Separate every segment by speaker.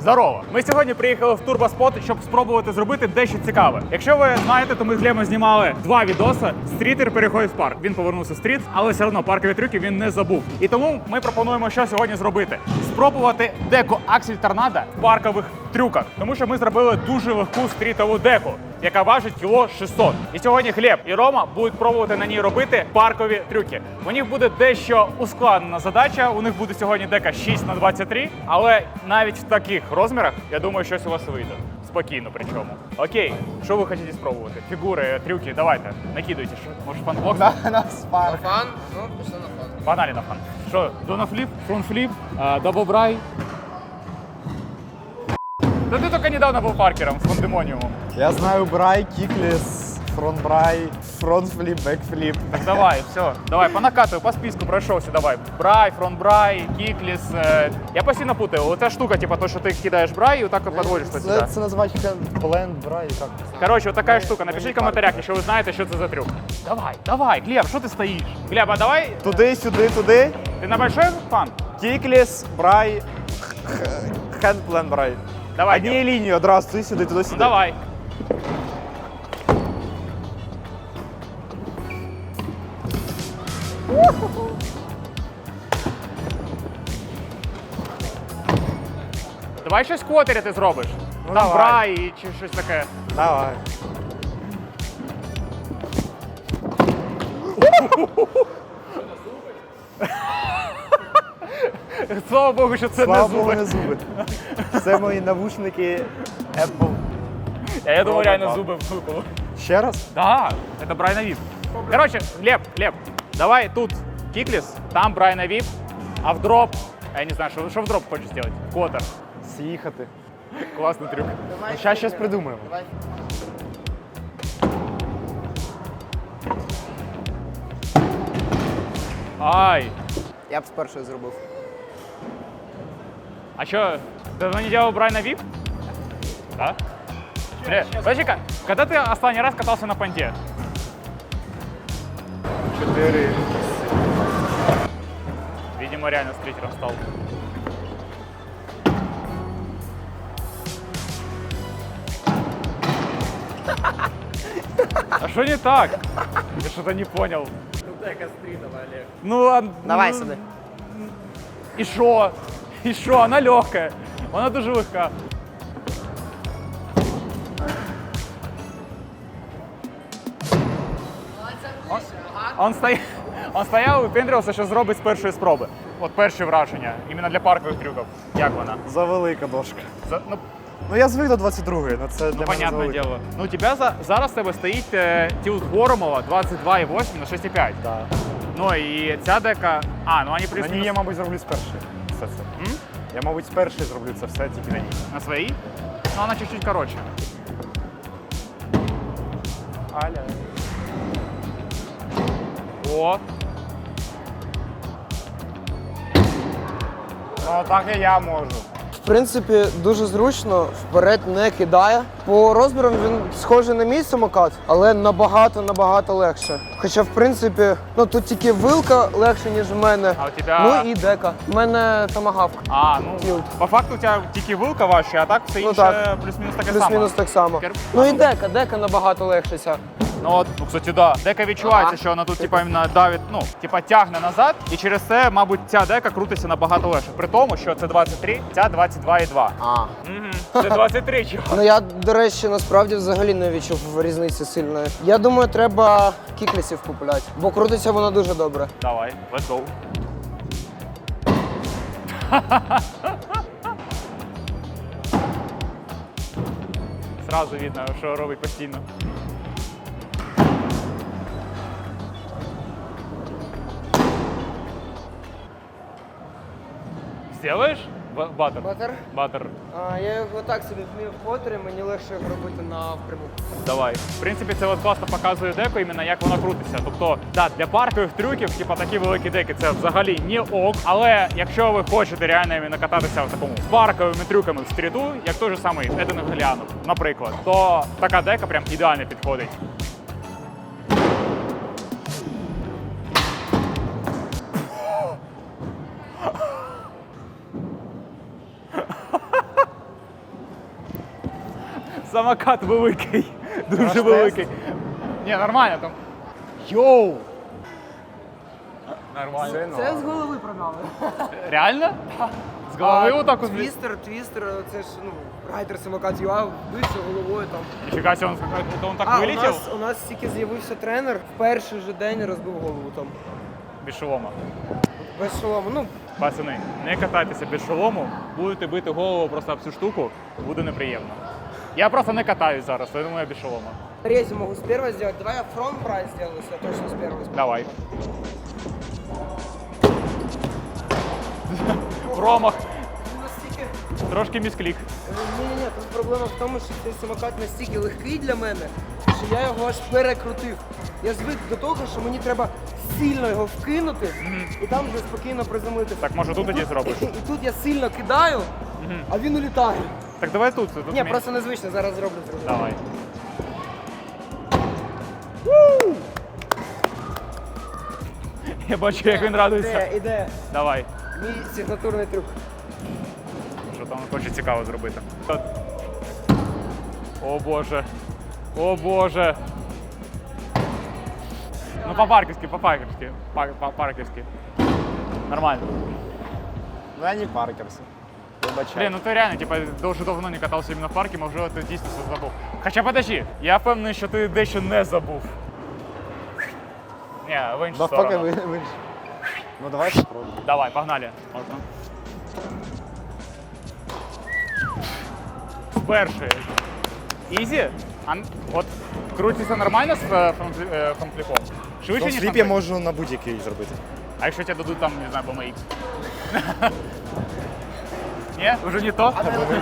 Speaker 1: Здорово! Ми сьогодні приїхали в Турбоспот, щоб спробувати зробити дещо цікаве. Якщо ви знаєте, то ми з Глебом знімали 2 відоси. Стрітер переходить в парк. Він повернувся в стріт, але все одно паркові трюки він не забув. І тому ми пропонуємо, що сьогодні зробити. Спробувати деку Аксель Торнадо в паркових трюках. Тому що ми зробили дуже легку стрітову деку, яка важить кіло 600. І сьогодні Глеб і Рома будуть пробувати на ній робити паркові трюки. У них буде дещо ускладнена задача. У них буде сьогодні дека 6х23, але навіть в таких розмірах, я думаю, щось у вас вийде. Спокійно причому. Окей, що ви хочете спробувати? Фігури, трюки, давайте, накидуйте. Може фан-бокс?
Speaker 2: На спарк.
Speaker 3: Фан? Ну, пішли на фан.
Speaker 1: Погнали на фан. Що, донафліп, фронтфліп, даблбрай. Да ти тільки недавно був паркером з Пандемоніумом.
Speaker 2: Я знаю брай, кікліс, фронт-брай, фронт-фліп, бек-фліп.
Speaker 1: Так давай, все. Давай, по накату, по списку пройшовся, давай. Брай, фронт-брай, кікліс. Я постійно путаю. Оця штука, типа то, що ти кидаєш брай і отак от підводиш до сюди.
Speaker 2: Це називають бленд, брай, як це?
Speaker 1: Короче, вот такая штука. Напишіть в коментарях, якщо ви знаєте, що це за трюк. Давай, давай, Глеб, що ти стоїш? Глеб, а давай.
Speaker 2: Туди, сюди, туди.
Speaker 1: Ти на большой фан?
Speaker 2: Кікліс, брай, хендплен, брай.
Speaker 1: Давай.
Speaker 2: Однією лінією одразу туди, сюди, туди,
Speaker 1: Ну
Speaker 2: сюди.
Speaker 1: давай. Давай щось квотері ти зробиш.
Speaker 2: Ну,
Speaker 1: Там
Speaker 2: давай.
Speaker 1: брай чи щось таке.
Speaker 2: Давай.
Speaker 1: Слава Богу, що це
Speaker 2: Слава
Speaker 1: не
Speaker 2: Богу,
Speaker 1: зуби.
Speaker 2: не зуби. Це мої навушники Apple.
Speaker 1: Я думаю, реально
Speaker 2: Робот.
Speaker 1: зуби випали.
Speaker 2: Ще раз?
Speaker 1: Да, это Брайна Вип. Короче, Глеб, давай тут киклис, там Брайна Вип, а в дроп, я не знаю, что в дроп хочешь сделать? Котер.
Speaker 2: З'їхати.
Speaker 1: Классный трюк.
Speaker 2: Зараз щось придумаємо.
Speaker 3: Давай.
Speaker 1: Ай,
Speaker 3: Я б спершу зробив.
Speaker 1: а что, давно не делал Брайна Вип? Да? Подожди-ка, когда ты последний раз катался на понте?
Speaker 2: 4.
Speaker 1: Видимо, реально стритером стал. А что не так? Я что-то не понял. Ну,
Speaker 3: Давай
Speaker 1: ну,
Speaker 3: сюди.
Speaker 1: І що? І що? Вона легка. Вона дуже легка. Он стояв і випендрювався, що зробить з першої спроби. От перші враження, іменно для паркових трюків. Як вона?
Speaker 2: Завелика дошка.
Speaker 1: Ну,
Speaker 2: Ну я звик до 22-ї, але це для мене
Speaker 1: понятне
Speaker 2: завелика.
Speaker 1: діло. Ну, у тебе зараз в тебе стоїть тілт Воромова 22,8 на 6,5.
Speaker 2: Да.
Speaker 1: Ну і ця дека. А, ну вони
Speaker 2: На
Speaker 1: плюс
Speaker 2: ній я, мабуть, зроблю з першої. Все це. Я, мабуть, з першої зроблю це все тільки на ній.
Speaker 1: на своїй. Ну, вона чуть-чуть коротше.
Speaker 2: Аля.
Speaker 1: О,
Speaker 2: Ну так і я можу.
Speaker 4: В принципі, дуже зручно, вперед не кидає. По розмірам він схожий на мій самокат, але набагато легше. Хоча, в принципі, ну тут тільки вилка легше, ніж в мене.
Speaker 1: А у тебе-
Speaker 4: Ну і дека. У мене томагавк.
Speaker 1: ну,
Speaker 4: Тілт.
Speaker 1: по факту у тебе тільки вилка важча, а так все
Speaker 4: Ну
Speaker 1: інше
Speaker 4: так.
Speaker 1: плюс-мінус таке саме.
Speaker 4: Плюс-мінус так само. Ну і дека набагато легше ця.
Speaker 1: Ну от, ну, кстати, да. Дека відчувається,
Speaker 4: Ага.
Speaker 1: що вона тут типа іменно давить, ну, типа тягне назад, і через це, мабуть, ця дека крутиться набагато легше. При тому, що це 23, ця 22,2. Це 23, чого?
Speaker 4: Ну я, до речі, насправді взагалі не відчув різниці сильної. Я думаю, треба кіклісів купувати, бо крутиться воно дуже добре.
Speaker 1: Давай, let's go. Сразу видно, що робить постійно. Сделаешь? Баттер?
Speaker 4: Баттер?
Speaker 1: Баттер.
Speaker 4: Я його так собі вмію в потері, мені легше його робити напряму.
Speaker 1: Давай. В принципі, це от класно показує деко, іменно як воно крутиться. Тобто, да, для паркових трюків, типа такі великі деки, це взагалі не ок. Але якщо ви хочете реально іменно кататися в такому з парковими трюками в стріту, як той же самий Еден Галіанов, наприклад, то така дека прям ідеально підходить. Самокат великий. Дуже
Speaker 2: Наш
Speaker 1: великий. Ні, нормально там. Йоу! Нормально.
Speaker 4: Це з голови продали.
Speaker 1: Реально? З голови отак от.
Speaker 4: Твістер, це ж, ну, райдер самокат ЮА, вбився головою там.
Speaker 1: Ніфіга себе, він так вилетів.
Speaker 4: У нас тільки з'явився тренер, в перший же день розбив голову там.
Speaker 1: Без шолома.
Speaker 4: Без шолому. Ну,
Speaker 1: Пацани, не катайтеся без шолому, будете бити голову просто об цю штуку, буде неприємно. Я просто не катаюсь зараз, тому я без шолома.
Speaker 4: рези могу с первого сделать. Давай я фронт брать сделаю, если я точно с первого сделаю.
Speaker 1: Давай. Промах.
Speaker 4: Настільки...
Speaker 1: Трошки місклік.
Speaker 4: Ні, тут проблема в тому, що цей самокат настільки легкий для мене, що я його аж перекрутив. Я звик до того, що мені треба сильно його вкинути і там вже спокійно приземлитися.
Speaker 1: Так, може, тут тоді зробиш?
Speaker 4: І тут я сильно кидаю, а він улітає.
Speaker 1: Так давай тут.
Speaker 4: Ні, просто незвично, зараз зроблю.
Speaker 1: Давай. Я бачу, як він радується.
Speaker 4: Іде.
Speaker 1: Давай.
Speaker 4: Мій сигнатурний трюк.
Speaker 1: Що там хоче цікаво зробити. О боже. О боже. Ну по-парківськи. По-парківськи. Нормально.
Speaker 2: Ну я не паркерс. Вибачай.
Speaker 1: Блін, ну ти реально, типа, дуже давно не катався іменно в парку, можливо, ти дійсно все забув. Хоча подожди, я впевнений, що ти дещо не забув. Ні, в іншу
Speaker 2: Навпаки,
Speaker 1: сторону.
Speaker 2: ви. Ну давай спробуємо.
Speaker 1: Давай, погнали. Можна. Перший. Ізі? От крутиться нормально з фронтфліпом? Швидше, ніж
Speaker 2: Фліп
Speaker 1: на
Speaker 2: я
Speaker 1: трек?
Speaker 2: можу на будь-який зробити.
Speaker 1: А якщо тебе дадуть там, не знаю, BMX? Ні? Вже не то?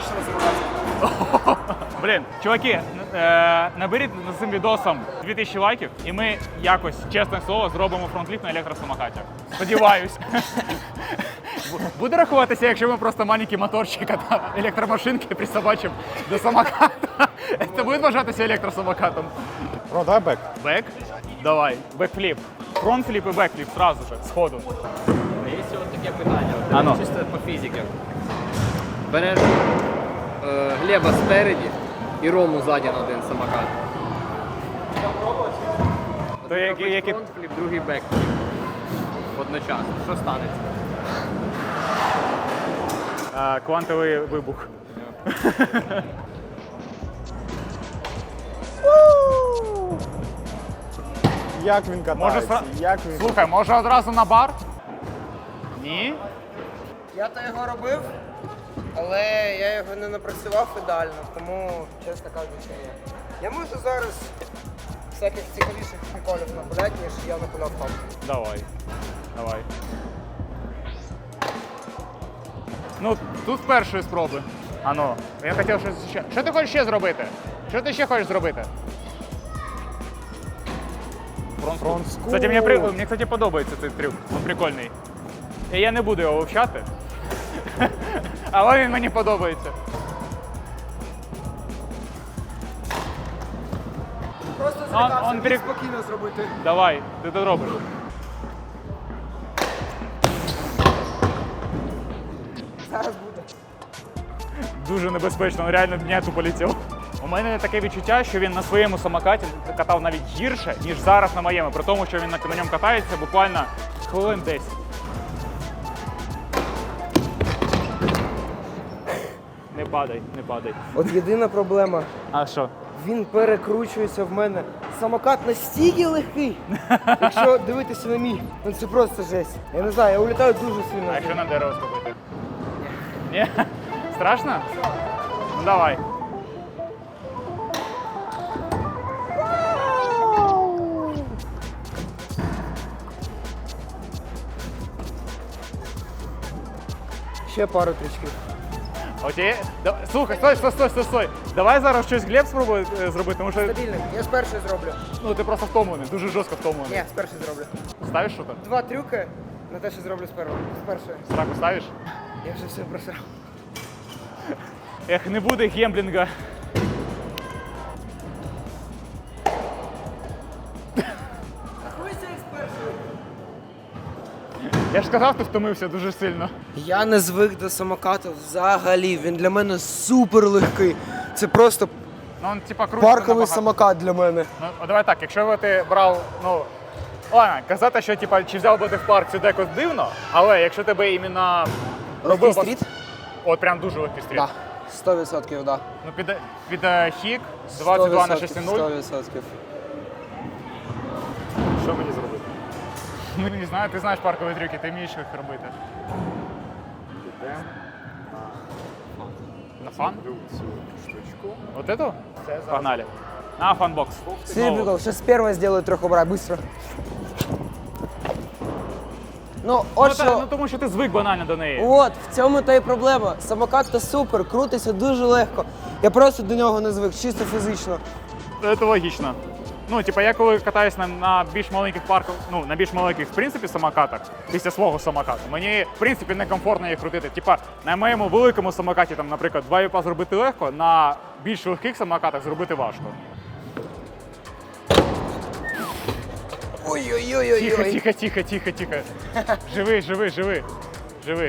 Speaker 1: Блін, чуваки, наберіть з цим відосом 2000 лайків, і ми якось, чесне слово, зробимо фронтліфт на електросамокаті. Сподіваюсь. Буде рахуватися, якщо ми просто маленький моторчик та електромашинки присобачимо до самоката. Це буде вважатися електросамокатом.
Speaker 2: Про, давай бек.
Speaker 1: Бек? Давай. Бекфліп. Фронтфліп і бекфліп зразу же, сходу.
Speaker 5: Є от таке питання,
Speaker 1: Ано.
Speaker 5: чисто по фізиці. Береш Глеба спереді і Рому ззаді на один самокат.
Speaker 1: То які...
Speaker 5: Фронтфліп, другий бекфліп. Одночасно. Що станеться?
Speaker 1: Квантовий вибух.
Speaker 2: Як він катається? Як він...
Speaker 1: Слухай, може одразу на бар? Ні?
Speaker 4: Я то його робив, але я його не напрацював ідеально, тому, чесно кажучи, ні. Я можу зараз всяких цікавіших приколів напуляти, ніж я напуляв там.
Speaker 1: Давай. Давай. Ну, тут з першої спроби. Ано, я хотів щось ще. Що ти хочеш ще зробити? Що ти ще хочеш зробити?
Speaker 2: Фронтскул.
Speaker 1: Кстати, мені, кстати, подобається цей трюк. Він прикольний. І я не буду його вивчати. Але він мені подобається.
Speaker 4: Просто
Speaker 1: Он
Speaker 4: злякався,
Speaker 1: перек-
Speaker 4: спокійно зробити.
Speaker 1: Давай, ти це робиш.
Speaker 4: Зараз буде.
Speaker 1: Дуже небезпечно, він реально дняту полетів. У мене таке відчуття, що він на своєму самокаті катав навіть гірше, ніж зараз на моєму, при тому, що він на ньому катається буквально хвилин 10. Не падай, не падай.
Speaker 4: От єдина проблема.
Speaker 1: А що?
Speaker 4: Він перекручується в мене. Самокат настільки легкий. Якщо дивитися на мій, ну це просто жесть. Я не знаю, я улітаю дуже сильно.
Speaker 1: А якщо на дерево схопити? Ні? Страшно? Ну давай.
Speaker 4: Ще пару трючків.
Speaker 1: Окей. Слухай, стой. Давай зараз щось Глеб спробує зробити, тому що
Speaker 4: Стабільний. Я з першої зроблю.
Speaker 1: ну, ти просто втомлений, дуже жорстко втомлений.
Speaker 4: Ні, з першої зроблю.
Speaker 1: Ставиш що то?
Speaker 4: 2 трюки на те, що зроблю з першої.
Speaker 1: Страху ставиш?
Speaker 4: Я вже все просрав.
Speaker 1: Ех, не буде гемблінга.
Speaker 4: Рахуйся як з першої.
Speaker 1: Я ж сказав, ти втомився дуже сильно.
Speaker 4: Я не звик до самокату взагалі. Він для мене супер легкий. Це просто
Speaker 1: Ну, він, типа, крутиться
Speaker 4: Парковий
Speaker 1: набагато.
Speaker 4: самокат для мене.
Speaker 1: Ну, давай так, якщо би ти брав, ну, ладно, казати, що типа, чи взяв би ти в парк, це декось дивно, але якщо тебе іменно
Speaker 4: Легкий стріт?
Speaker 1: От прям дуже легкий стріт.
Speaker 4: Так, 100%, да.
Speaker 1: Ну, під хік 22 на 6,0.
Speaker 4: 100%.
Speaker 1: Що мені зробити? Ну, не знаю, ти знаєш паркові трюки, ти вмієш їх робити. На фан?
Speaker 2: Цю штучку.
Speaker 1: Вот эту? Погнали. На фанбокс.
Speaker 4: Серебряков, сейчас первое сделаю трехобрай, быстро. Ну,
Speaker 1: Ну,
Speaker 4: от що...
Speaker 1: ну тому що ти звик банально до неї.
Speaker 4: От, в цьому та й проблема. Самокат то супер, крутиться дуже легко. Я просто до нього не звик, чисто фізично.
Speaker 1: Це логічно. Ну, типа, я коли катаюсь на більш маленьких парках, ну, на більш маленьких, в принципі, самокатах, після свого самокату, мені, в принципі, некомфортно їх крутити. Типа, на моєму великому самокаті, там, наприклад, 2 віпа зробити легко, на більш легких самокатах зробити важко.
Speaker 4: Ой-ой-ой-ой-ой.
Speaker 1: Тихо. Живи.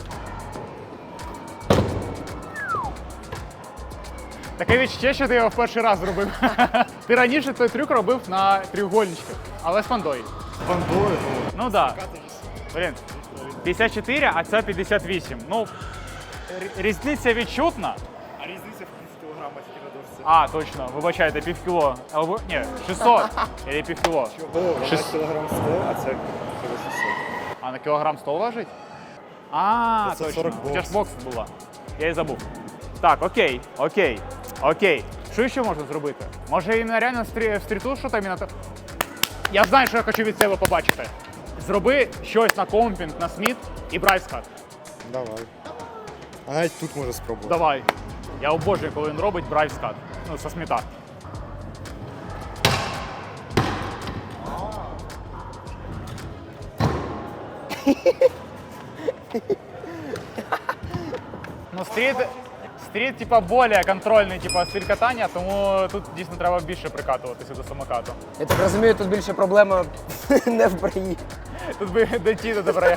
Speaker 1: Таке відчуття, що ти його в перший раз зробив. Ти раніше цей трюк робив на трьохгольничках, але з фандою.
Speaker 2: Фандою.
Speaker 1: Ну так. Да. Блін, 54, а це 58. Ну, різниця відчутна.
Speaker 2: А різниця в кілограма тільки на дошці.
Speaker 1: А, точно, вибачайте, півкіло. Або, ні, 600. Или півкіло.
Speaker 2: Шість кілограм 100, а це кіло 600.
Speaker 1: А на кілограм 100 важить? А,
Speaker 2: Це
Speaker 1: точно.
Speaker 2: 40
Speaker 1: У тебе ж бокс була. Я і забув. Так, окей. Що ще можна зробити? Може іменно реально в стріту що там іменно... Я знаю, що я хочу від себе побачити. Зроби щось на компінг, на сміт і брайскат.
Speaker 2: Давай. А навіть тут може спробувати.
Speaker 1: Давай. Я обожнюю, коли він робить брайскат. Ну, со сміта. Ну, стріт, типа, більш контрольний, типа, стиль катання, тому тут дійсно треба більше прикатуватися до самокату.
Speaker 4: Я так розумію, тут більше проблема не в броні.
Speaker 1: Тут би дойти до добра.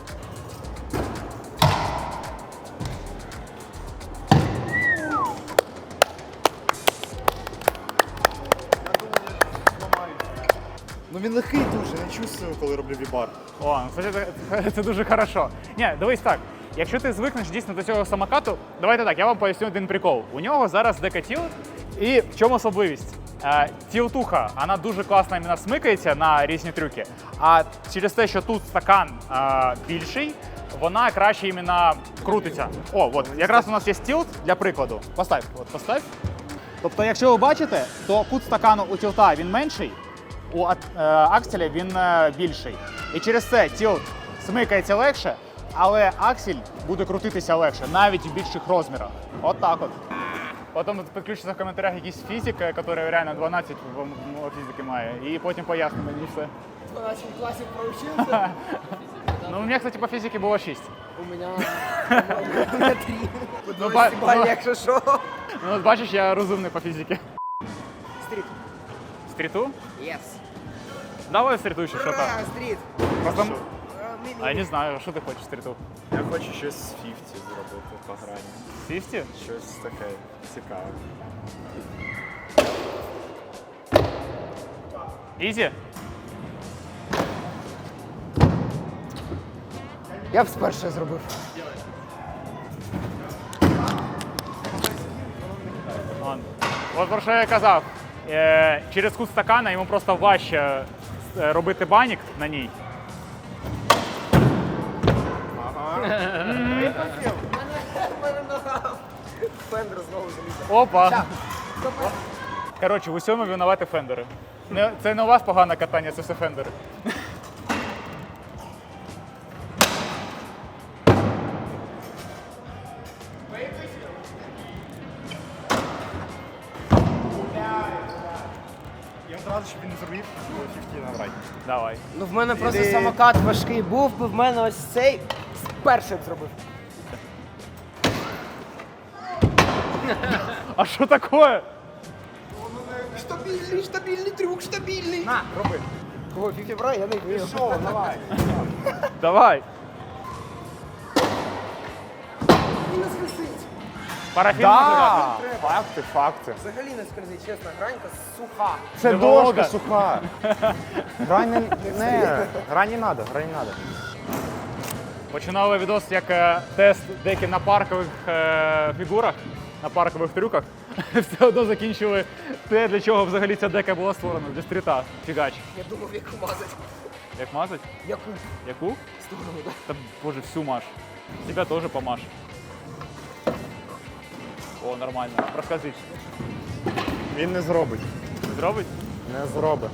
Speaker 2: Ну він легкий дуже, не чувствую, коли роблю вібар.
Speaker 1: О, ну, кстати, це дуже хорошо. Ні, дивись так. Якщо ти звикнеш дійсно до цього самокату, давайте так, я вам поясню один прикол. У нього зараз декатіл, і в чому особливість? Тілтуха, вона дуже класно іменно смикається на різні трюки, а через те, що тут стакан більший, вона краще іменно крутиться. О, от, якраз у нас є тілт для прикладу. Постав. Тобто, якщо ви бачите, то кут стакану у тілта він менший, у акселя він більший. І через це тілт смикається легше, але аксель буде крутитися легше, навіть в більших розмірах. От так от. Потім підключиться в коментарях якийсь фізик, який реально 12 в фізики має, і потім пояснить мені все.
Speaker 4: 12 классик проучился.
Speaker 1: Ну, у мене, кстати, по фізиці було 6.
Speaker 4: У меня 3.
Speaker 1: Ну,
Speaker 4: Якщо що.
Speaker 1: ну, от бачиш, я розумний по фізиці.
Speaker 3: Стріт.
Speaker 1: Стріту?
Speaker 3: Yes.
Speaker 1: Давай стріту ще, що там.
Speaker 3: Стріт.
Speaker 1: Просто... А я не знаю, що ти хочеш стріту?
Speaker 2: Я хочу щось з 50 зробити по грані.
Speaker 1: 50?
Speaker 2: Щось таке цікаве.
Speaker 1: Ізі?
Speaker 4: Я б спершу зробив.
Speaker 1: От про що я казав. Через кут стакана йому просто важче робити банік на ній.
Speaker 4: Фендер знову заліз.
Speaker 1: Опа! Коротше, в усьому винуваті фендери. Це не у вас погане катання, це все фендери.
Speaker 2: Я одразу, щоб він не зробив, 50 набрати.
Speaker 1: Давай.
Speaker 4: Ну в мене просто самокат важкий був, би в мене ось цей перший б зробив.
Speaker 1: А що таке?
Speaker 4: Стабільний трюк, стабільний.
Speaker 1: На, роби.
Speaker 4: Кого, 50 брай, я не вмію.
Speaker 2: Що, давай.
Speaker 1: Давай.
Speaker 4: І нас висить.
Speaker 1: Парафін
Speaker 2: Да! Факти.
Speaker 4: Взагалі не скользить, чесно, гранька суха.
Speaker 2: Це
Speaker 1: Не
Speaker 2: дошка
Speaker 1: Волга.
Speaker 2: суха. Грань не надо, грань не надо.
Speaker 1: Починали відос як тест деякі на паркових фігурах, на паркових трюках. Все одно закінчили те, для чого взагалі ця дека була створена, для стріта. Фігач.
Speaker 4: Я думав, яку мазать.
Speaker 1: Як мазать?
Speaker 4: Яку?
Speaker 1: Яку?
Speaker 4: Сторону, да.
Speaker 1: Та боже, всю маш. Тебя теж помаш. О, нормально. Розкажіть.
Speaker 2: Він не зробить.
Speaker 1: Зробить?
Speaker 2: Не зробить.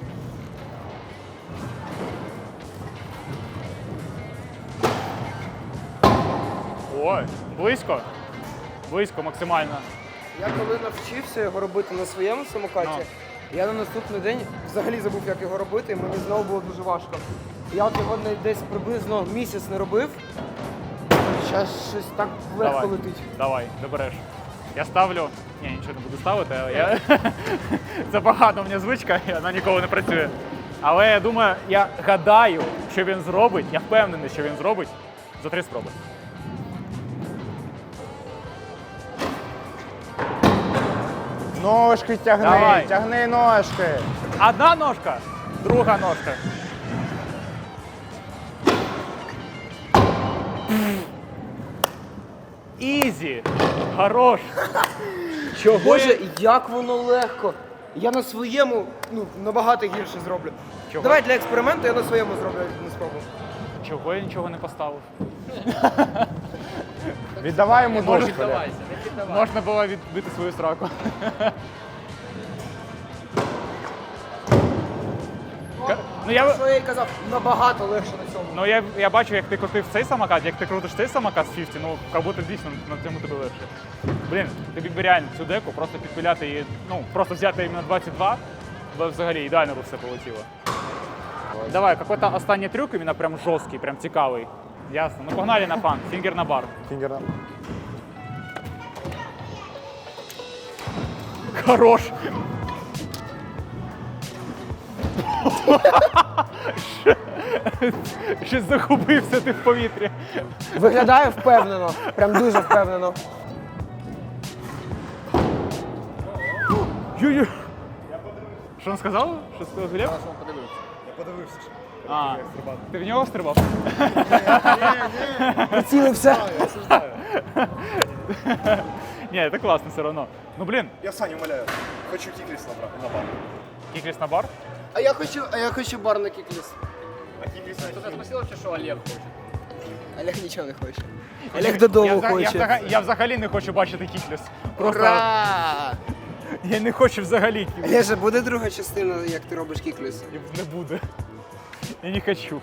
Speaker 1: Ой, близько. Близько максимально.
Speaker 4: Я коли навчився його робити на своєму самокаті, я на наступний день взагалі забув, як його робити, і мені знову було дуже важко. Я от його десь приблизно місяць не робив. Зараз щось так легко
Speaker 1: Давай.
Speaker 4: летить.
Speaker 1: Давай, добереш. Я ставлю. Ні, нічого не буду ставити, але я. Це погано в мене звичка, і вона ніколи не працює. Але я думаю, я гадаю, що він зробить, я впевнений, що він зробить за 3 спроби.
Speaker 2: Ножки тягни,
Speaker 1: Давай.
Speaker 2: тягни ножки.
Speaker 1: Одна ножка, друга ножка. Ізі! Хорош! Чого?
Speaker 4: Боже, як воно легко. Я на своєму набагато гірше зроблю.
Speaker 1: Чого?
Speaker 4: Давай для експерименту я на своєму зроблю не спробую.
Speaker 1: Чого я нічого не поставив?
Speaker 2: Віддавай йому
Speaker 5: Не
Speaker 2: дошку.
Speaker 5: піддавайся, не піддавайся.
Speaker 1: Можна було відбити свою сраку. Ну
Speaker 4: Що я й казав, набагато легше на цьому.
Speaker 1: Ну я бачу, як ти крутив цей самокат, як ти крутиш цей самокат з 50, ну як будто дійсно на цьому тобі легше. Блін, тобі б реально цю деку просто підпиляти її, ну просто взяти іменно 22, бо взагалі ідеально би все полетіло. Давай, какой-то останній трюк, іменно прям жорсткий, прям цікавий. Ясно. Ну погнали на фан, фінгер на бар.
Speaker 2: Фінгер.
Speaker 1: Хорош! Щось загубився ти в повітрі.
Speaker 4: Виглядає впевнено, прям дуже впевнено.
Speaker 1: Ю-ю. Що він сказав? Що сказав Глеб? А, ти в нього стрибав?
Speaker 4: Прицілився.
Speaker 1: Ні, це класно все одно. Ну блін,
Speaker 2: Я Саню умоляю. Хочу кікліс на бар.
Speaker 1: кікліс на бар?
Speaker 4: А я хочу бар на кікліс.
Speaker 5: Тут спросила, що Олег хоче.
Speaker 4: Олег нічого не хоче. Олег додому хоче.
Speaker 1: Я взагалі не хочу бачити кікліс. Просто
Speaker 4: Ура!
Speaker 1: я не хочу взагалі кікліс.
Speaker 4: Олеже, буде друга частина, як ти робиш кікліс?
Speaker 1: Не буде. Я не хочу.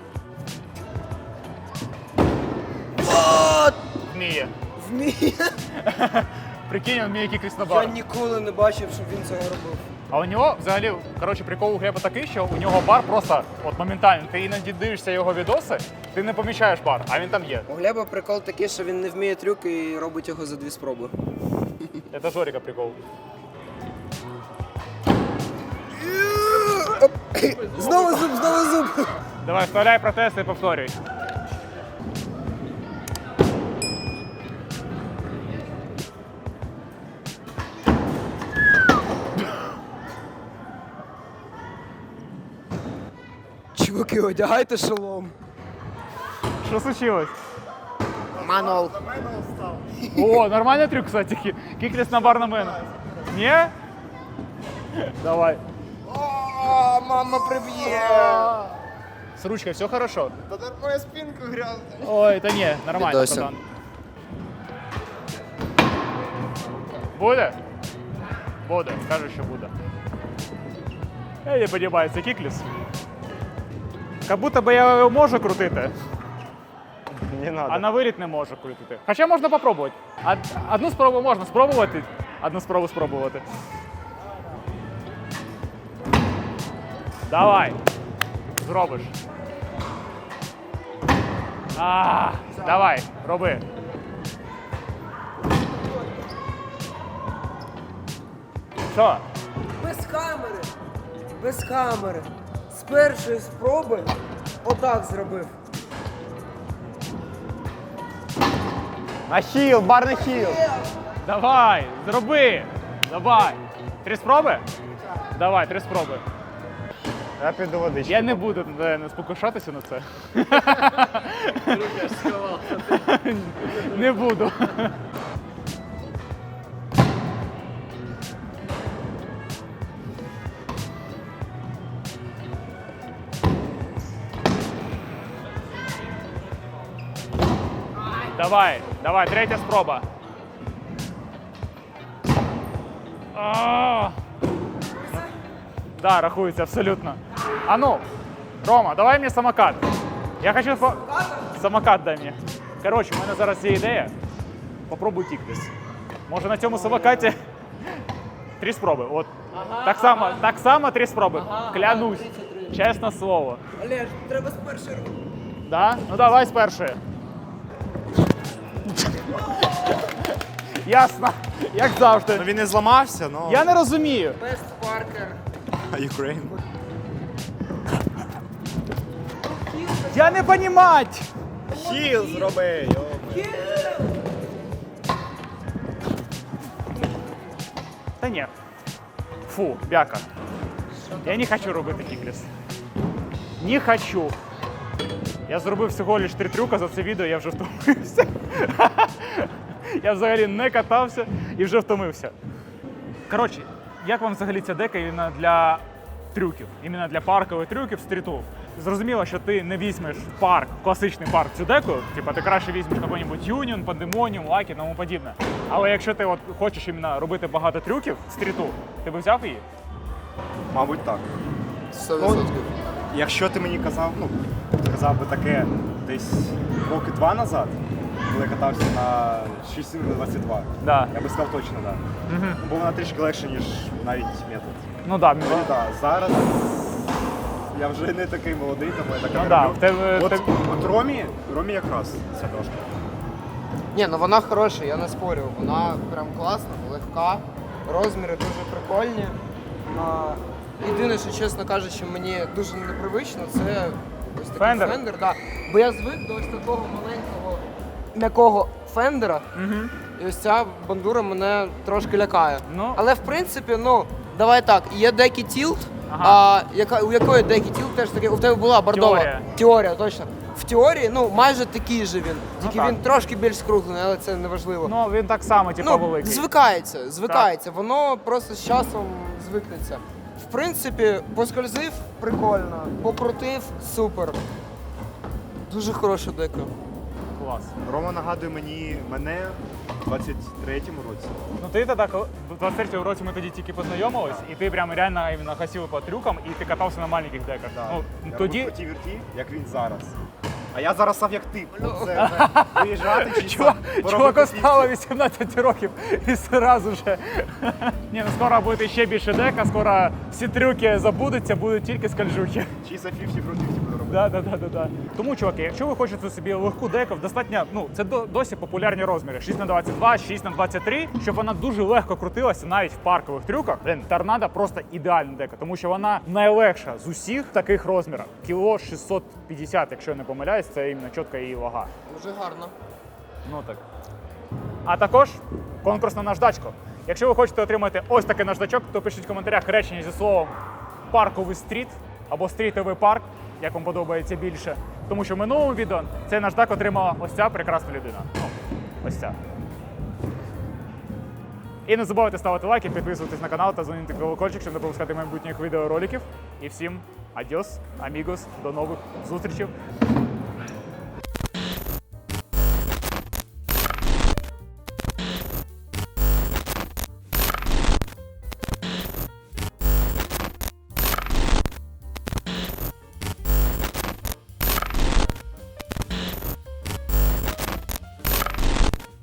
Speaker 1: Вміє.
Speaker 4: Вміє.
Speaker 1: Прикинь, він вміє кікліс на
Speaker 4: Я
Speaker 1: бар.
Speaker 4: ніколи не бачив, щоб він цього робив.
Speaker 1: А у нього взагалі, коротше, прикол у Глеба такий, що у нього бар просто от моментально. Ти іноді дивишся його відоси, ти не помічаєш бар, а він там є.
Speaker 4: У Глеба прикол такий, що він не вміє трюк і робить його за 2 спроби.
Speaker 1: Це Жоріка прикол.
Speaker 4: Знову зуб!
Speaker 1: Давай, вставляй протез і повторюй.
Speaker 4: Чуваки, одягайте шолом.
Speaker 1: Що случилось?
Speaker 4: Манол.
Speaker 1: О, нормальний трюк, кстати. Кікліс на бар на мене. Ні? Давай.
Speaker 2: О, мама приб'є.
Speaker 1: С ручкой все хорошо?
Speaker 2: Та моя спинку грязна.
Speaker 1: Ой, та ні, нормально,
Speaker 4: Відося.
Speaker 1: пацан. Буде? Буде, кажу, що буде. Не подобається кікліс. Как будто би я його можу крутити,
Speaker 2: Не
Speaker 1: а
Speaker 2: надо.
Speaker 1: на виліт не можу крутити. Хоча можна попробувати. Одну спробу можна спробувати, одну спробу спробувати. Давай. Зробиш. Давай, роби. Що?
Speaker 4: Без камери. Без камери. З першої спроби отак зробив.
Speaker 2: На хіл, бар на хіл.
Speaker 1: Давай, зроби. Давай. 3 спроби? Давай, 3 спроби.
Speaker 2: Я піду водички.
Speaker 1: Я не буду не спокушатися на це.
Speaker 5: Руки аж сховав.
Speaker 1: Не буду. Давай, давай, 3 спроба. Да, рахується абсолютно. А ну, Рома, давай мені самокат. Я хочу самокат дай мені. Коротше, у мене зараз є ідея. Попробуй кікліс. Може на цьому самокаті 3 спроби. От. Так само 3 спроби. Клянусь. Чесне слово.
Speaker 3: Олеж, треба з першої руки.
Speaker 1: Да? Ну давай з першої. Ясно. Як завжди.
Speaker 2: Ну він не зламався, ну.
Speaker 1: Я не розумію.
Speaker 3: Бест Паркер.
Speaker 2: Ukraine.
Speaker 1: Я не понімать.
Speaker 2: Хіл зроби, йо.
Speaker 1: Та ні. Фу, бяка. Я не хочу робити кікліс. Не хочу. Я зробив всього лиш 3 трюка за це відео, я вже втомився. Я взагалі не катався і вже втомився. Коротше, як вам взагалі ця дека іменно для трюків? Іменно для паркових трюків стріту? Зрозуміло, що ти не візьмеш в парк, класичний парк цю деку, типа ти краще візьмеш какой-нибудь Union, Pandemonium, Lucky і тому подібне. Але якщо ти от хочеш іменно робити багато трюків стріту, ти б взяв її?
Speaker 2: Мабуть, так.
Speaker 3: 100%.
Speaker 2: Якщо ти мені казав би таке десь роки 2 назад, коли я катався на 6.22,
Speaker 1: Да.
Speaker 2: я би сказав точно, так. Да. Бо вона трішки легше, ніж навіть метод.
Speaker 1: Ну да,
Speaker 2: Ну, да, зараз я вже не такий молодий, тому я так
Speaker 1: Ну
Speaker 2: не
Speaker 1: да,
Speaker 2: роблю.
Speaker 1: в тебе-
Speaker 2: От Ромі якраз ця дошка.
Speaker 4: Ні, ну вона хороша, я не спорю. Вона прям класна, легка, розміри дуже прикольні. Єдине, що, чесно кажучи, мені дуже непривично, це ось такий
Speaker 1: Фендер?
Speaker 4: фендер. Да. Бо я звик до ось такого маленького м'якого фендера. І ось ця бандура мене трошки лякає.
Speaker 1: Ну.
Speaker 4: Але в принципі, ну, давай так, є декі тілт,
Speaker 1: Ага.
Speaker 4: у якої декі тілт теж таке, у тебе була бордова.
Speaker 1: Теорія.
Speaker 4: Теорія, точно. В теорії, ну, майже такий же він. Тільки
Speaker 1: так.
Speaker 4: він трошки більш скруглений, але це не важливо.
Speaker 1: Ну він так само, типу,
Speaker 4: Ну,
Speaker 1: великий.
Speaker 4: звикається. Воно просто з часом звикнеться. В принципі, поскользив прикольно, покрутив супер. Дуже хороша дека.
Speaker 1: Клас.
Speaker 2: Рома нагадує мене в 23-му році.
Speaker 1: Ну ти тоді, в 23-му році ми тоді тільки познайомились, і ти прям реально іменно гасив по трюкам, і ти катався на маленьких деках. Ну,
Speaker 2: Я
Speaker 1: тоді
Speaker 2: робив по тій вірті, як він зараз. А я зараз став як ти. Це виїжджати чи
Speaker 1: чуваку стало 18 років і одразу же. Ні, ну скоро буде ще більше дека, скоро всі трюки забудуться, будуть тільки скальжухи.
Speaker 2: Чи за 50 проти 50 буду робити.
Speaker 1: Да. Тому, чуваки, якщо ви хочете собі легку деку, достатньо, ну це досі популярні розміри. 6х22, 6х23, щоб вона дуже легко крутилася навіть в паркових трюках. Блін, торнадо просто ідеальна дека, тому що вона найлегша з усіх таких розмірів. Кіло 650, якщо я не помиляюсь, це іменно чітка її вага.
Speaker 4: Дуже гарно.
Speaker 1: Ну так. А також конкурс на наждачку. Якщо ви хочете отримати ось такий наждачок, то пишіть в коментарях речення зі словом парковий стріт або стрітовий парк, як вам подобається більше. Тому що в минулому відео цей наждак отримала ось ця прекрасна людина. Ну, ось ця. І не забувайте ставити лайки, підписуватись на канал та дзвонити колокольчик, щоб не пропускати майбутніх відеороликів. І всім адьос, амігос, до нових зустрічей.